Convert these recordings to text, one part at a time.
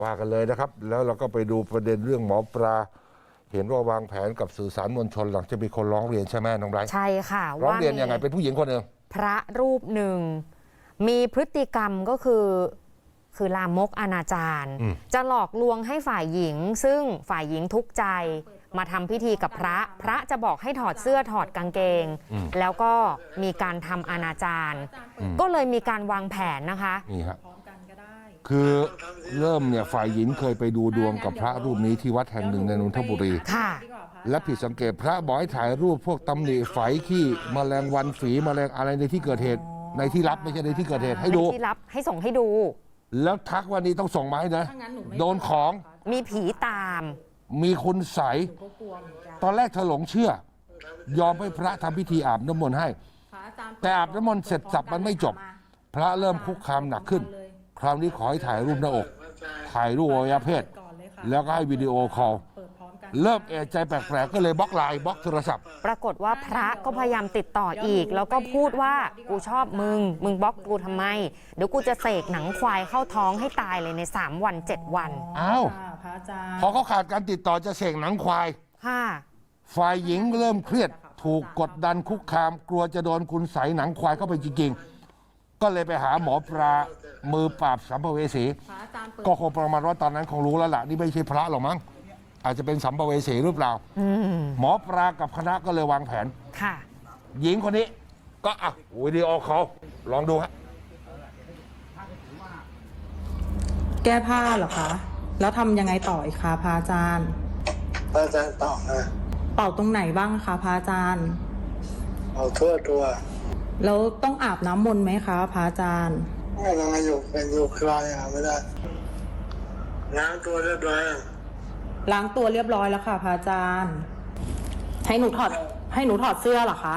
ว่ากันเลยนะครับแล้วเราก็ไปดูประเด็นเรื่องหมอปลาเห็นว่าวางแผนกับสื่อสารมวลชนหลังจะมีคนร้องเรียนใช่ไหมน้องไบรท์ใช่ค่ะร้องเรียนยังไงเป็นผู้หญิงคนหนึ่งพระรูปหนึ่งมีพฤติกรรมก็คือลามกอนาจารจะหลอกลวงให้ฝ่ายหญิงซึ่งฝ่ายหญิงทุกข์ใจมาทำพิธีกับพระจะบอกให้ถอดเสื้อถอดกางเกงแล้วก็มีการทำอนาจารก็เลยมีการวางแผนนะคะนี่ครับคือเริ่มเนี่ยฝ่ายหญิงเคยไปดูดวงกับพระรูปนี้ที่วัดแห่งหนึ่งในนนทบุรีและผิดสังเกตพระบอกให้ถ่ายรูปพวกตำหนิไฝขี้แมลงวันฝีแมลงอะไรในที่เกิดเหตุในที่ลับไม่ใช่ในที่เกิดเหตุให้ดูที่ลับให้ส่งให้ดูแล้วทักวันนี้ต้องส่งมาให้นะโดนของมีผีตามมีคุณใสตอนแรกเธอหลงเชื่อยอมให้พระทำพิธีอาบน้ำมนต์ให้แต่อาบน้ำมนต์เสร็จสับมันไม่จบพระเริ่มคุกคามหนักขึ้นคราวนี้ขอให้ถ่ายรูปหน้าอกถ่ายรูปอวัยวะเพศแล้วก็ให้วิดีโอคอลเริ่มเอะใจแปลกๆก็เลยบล็อกไลน์บล็อกโทรศัพท์ปรากฏว่าพระก็พยายามติดต่ออีกแล้วก็พูดว่ากูชอบมึงบล็อกกูทำไมเดี๋ยวกูจะเสกหนังควายเข้าท้องให้ตายเลยใน3 วัน 7 วันอ้าวพอเขาขาดการติดต่อจะเสกหนังควายฝ่ายหญิงเริ่มเครียดถูกกดดันคุกคามกลัวจะโดนคุณใสหนังควายเข้าไปจริงๆก็เลยไปหาหมอปลามือปราบสัมภเวสีก็คงประมาณว่าตอนนั้นคงรู้แล้วล่ะนี่ไม่ใช่พระหรอกมั้งอาจจะเป็นสัมภเวสีหรือเปล่าหมอปลากับคณะก็เลยวางแผนหญิงคนนี้ก็วิดีโอคอลลองดูฮะแก้ผ้าเหรอคะแล้วทำยังไงต่ออีกคะพระอาจารย์พระอาจารย์เป่าเป่าตรงไหนบ้างคะพระอาจารย์เป่าทั่วตัวแล้วต้องอาบน้ำมนต์ไหมคะพระอาจารย์ไม่ต้องอยู่คลายไม่ได้ล้างตัวเรียบร้อยล้างตัวเรียบร้อยแล้วค่ะพระอาจารย์ให้หนูถอดเสื้อเหรอคะ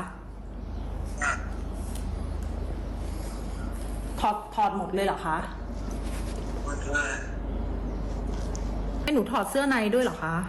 ถอดหมดเลยเหรอคะหมดเลยให้หนูถอดเสื้อในด้วยเหรอคะ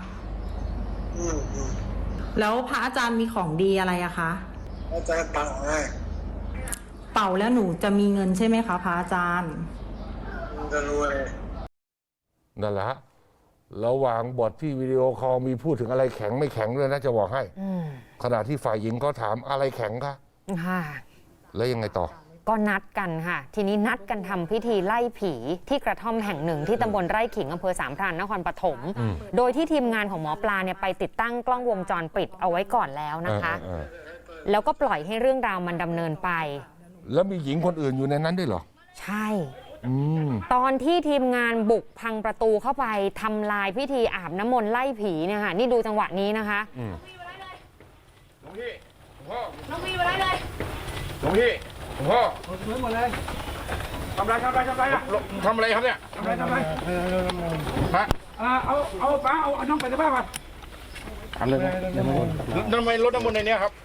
แล้วพระอาจารย์มีของดีอะไรอะคะอาจารย์เป่าให้เป่าแล้วหนูจะมีเงินใช่ไหมคะพระอาจารย์จะรวยนั่นแหละระหว่างบทที่วิดีโอคอลมีพูดถึงอะไรแข็งไม่แข็งด้วยนะจะบอกให้ขณะที่ฝ่ายหญิงก็ถามอะไรแข็งคะแล้วยังไงต่อก็นัดกันค่ะทีนี้นัดกันทำพิธีไล่ผีที่กระท่อมแห่งหนึ่งที่ตำบลไร่ขิงอำเภอสามพรานนครปฐมโดยที่ทีมงานของหมอปลาเนี่ยไปติดตั้งกล้องวงจรปิดเอาไว้ก่อนแล้วนะคะแล้วก็ปล่อยให้เรื่องราวมันดำเนินไปแล้วมีหญิงคนอื่นอยู่ในนั้นด้วยเหรอใช่ตอนที่ทีมงานบุกพังประตูเข้าไปทำลายพิธีอาบน้ำมนต์ไล่ผีเนี่ยค่ะนี่ดูจังหวะนี้นะคะหลวงพี่พ่อน้องวีมาได้เลยหลวงพี่พ่อหมดเลยทำไรทำอะไรครับเนี่ยทำไรฮะเอาป้าเอาน้องไปที่บ้านมาทำเลยทำไมรถน้ำมนต์ในนี้ครับ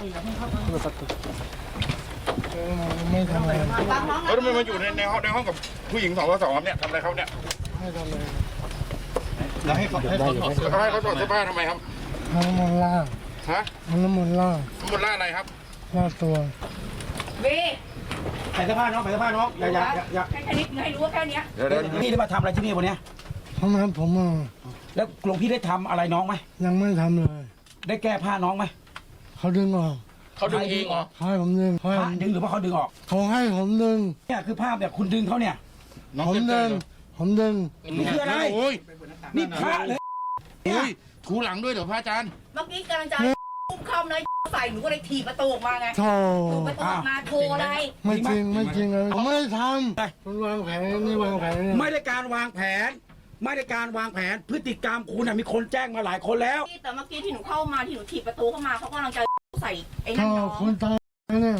ไม่ทำอะไรแล้วทำไมมาอยู่ในห้องกับผู้หญิง2 ครับเนี่ยทำอะไรเขาเนี่ยไม่ทำอะไรแล้วให้เขาถอดเสื้อผ้าทำไมครับน้ำมันล่างน้ำมันล่างอะไรครับล่าตัววีใส่เสื้อผ้าน้องอย่าแค่นี้ให้รู้ว่าแค่นี้เดี๋ยวนี่ได้มาทำอะไรที่นี่วันนี้ทำไมผมแล้วหลวงพี่ได้ทำอะไรน้องไหมยังไม่ทำเลยได้แก้ผ้าน้องไหมเขาดึงออกเขาดึงเองเหรอให้ผมดึงดึงหรือว่าเขาดึงออกเขาให้ผมดึงเนี่ยคือภาพแบบคุณดึงเขาเนี่ยผมดึงนี่คืออะไรนี่พระเลยถูหลังด้วยเดี๋ยวพระอาจารย์เมื่อกี้กำลังจะพุ่งเข้าเลยใส่หนูก็เลยถีบประตูออกมาไงถูประตูออกมาโทรอะไรไม่จริงเลยผมไม่ได้ทำคุณวางแผนนี่วางแผนไม่ได้การวางแผนพฤติกรรมคุณมีคนแจ้งมาหลายคนแล้วแต่เมื่อกี้ที่หนูเข้ามาที่หนูถีบประตูเข้ามาเขากำลังจะใส่ไอ้นั่นน้องคนตายเนี่ย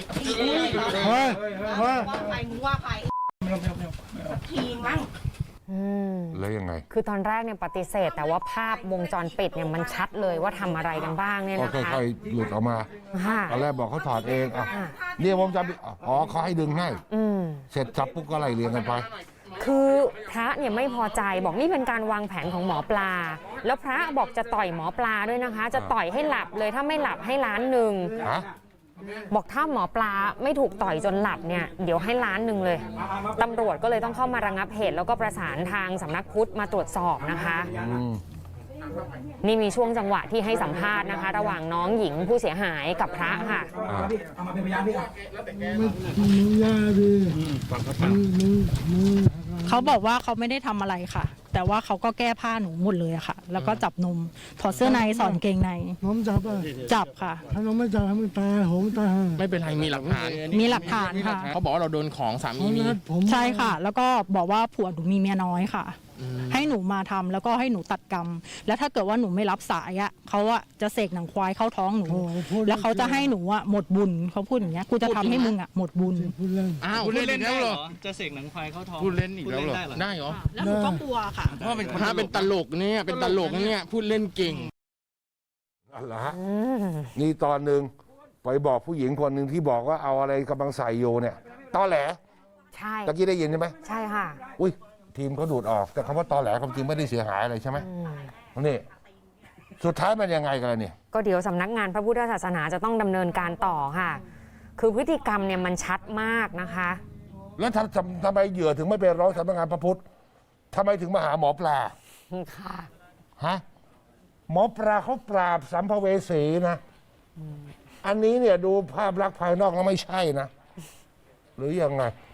ว่าใครมึงว่าใครทีมั้งแล้วยังไงคือตอนแรกเนี่ยปฏิเสธแต่ว่าภาพวงจรปิดเนี่ยมันชัดเลยว่าทำอะไรกันบ้างเนี่ยนะคะก็ค่อยๆหลุดออกมาตอนแรกบอกเขาถอดเองเนี่ยวงจรปิดเขาให้ดึงให้เสร็จจับปุ๊บก็ไล่เรียงกันไปคือพระเนี่ยไม่พอใจบอกนี่เป็นการวางแผนของหมอปลาแล้วพระบอกจะต่อยหมอปลาด้วยนะคะจะต่อยให้หลับเลยถ้าไม่หลับให้1,000,000 บอกถ้าหมอปลาไม่ถูกต่อยจนหลับเนี่ยเดี๋ยวให้ล้านหนึ่งเลยตำรวจก็เลยต้องเข้ามาระงับเหตุแล้วก็ประสานทางสำนักพุทธมาตรวจสอบนะคะ นี่มีช่วงจังหวะที่ให้สัมภาษณ์นะคะ ระหว่างน้องหญิงผู้เสียหายกับพระค่ะเอามาเป็นพยานพี่อ่ะเขาบอกว่าเขาไม่ได้ทำอะไรค่ะ แต่ว่าเขาก็แก้ผ้าหนูหมดเลยอะค่ะ แล้วก็จับนมถอดเสื้อในสอนเกงในน้องจับอ่ะจับค่ะถ้าน้องไม่จับให้มันตายโหงตายไม่เป็นไรมีหลักฐานมีหลักฐานค่ะเขาบอกว่าเราโดนของสาผมีมมีนัดผมใช่ค่ะ แล้วก็บอกว่าผัวหนูมีเมียน้อยค่ะ ให้หนูมาทำแล้วก็ให้หนูตัดกรรม แล้วถ้าเกิดว่าหนูไม่รับสายอะเขาอะจะเสกหนังควายเข้าท้องหนูโอ้โหพูดแล้วเขาจะให้หนูอะหมดบุญเขาพูดอย่างเงี้ยกูจะทำให้มึงอะหมดบุญพูดเล่นอ้าวพูดเล่นอีกแล้วเหรอจะเสกหนังควายเข้าท้องพูดเล่นอีกแล้วเหรอ ได้เหรอแล้วหนูก็กลัวค่ะเพราะเป็นพระเป็นตลกเนี่ยเป็นตลกเนี่ยพูดเล่นเก่งนั่นแหละฮะนี่ตอนหนึ่งไปบอกผู้หญิงคนหนึ่งที่บอกว่าเอาอะไรกำลังใส่อยู่เนี่ยตอแหลใช่ตะกี้ได้ยินใช่ไหมใช่ค่ะอุ้ยทีมเขาดูดออกแต่คำว่าตอแหลความจริงไม่ได้เสียหายอะไรใช่ไหมนี่สุดท้ายมันยังไงกันล่ะเนี่ยก็เดี๋ยวสำนักงานพระพุทธศาสนาจะต้องดำเนินการต่อค่ะ คือพฤติกรรมเนี่ยมันชัดมากนะคะแล้วทำไมเหยื่อถึงไม่ไปร้องสำนักงานพระพุทธทำไมถึงมาหาหมอปลาค่ะฮะหมอปลาเขาปราบสัมภเวสีนะอันนี้เนี่ยดูภาพลักษณ์ภายนอกแล้วไม่ใช่นะ หรือยังไง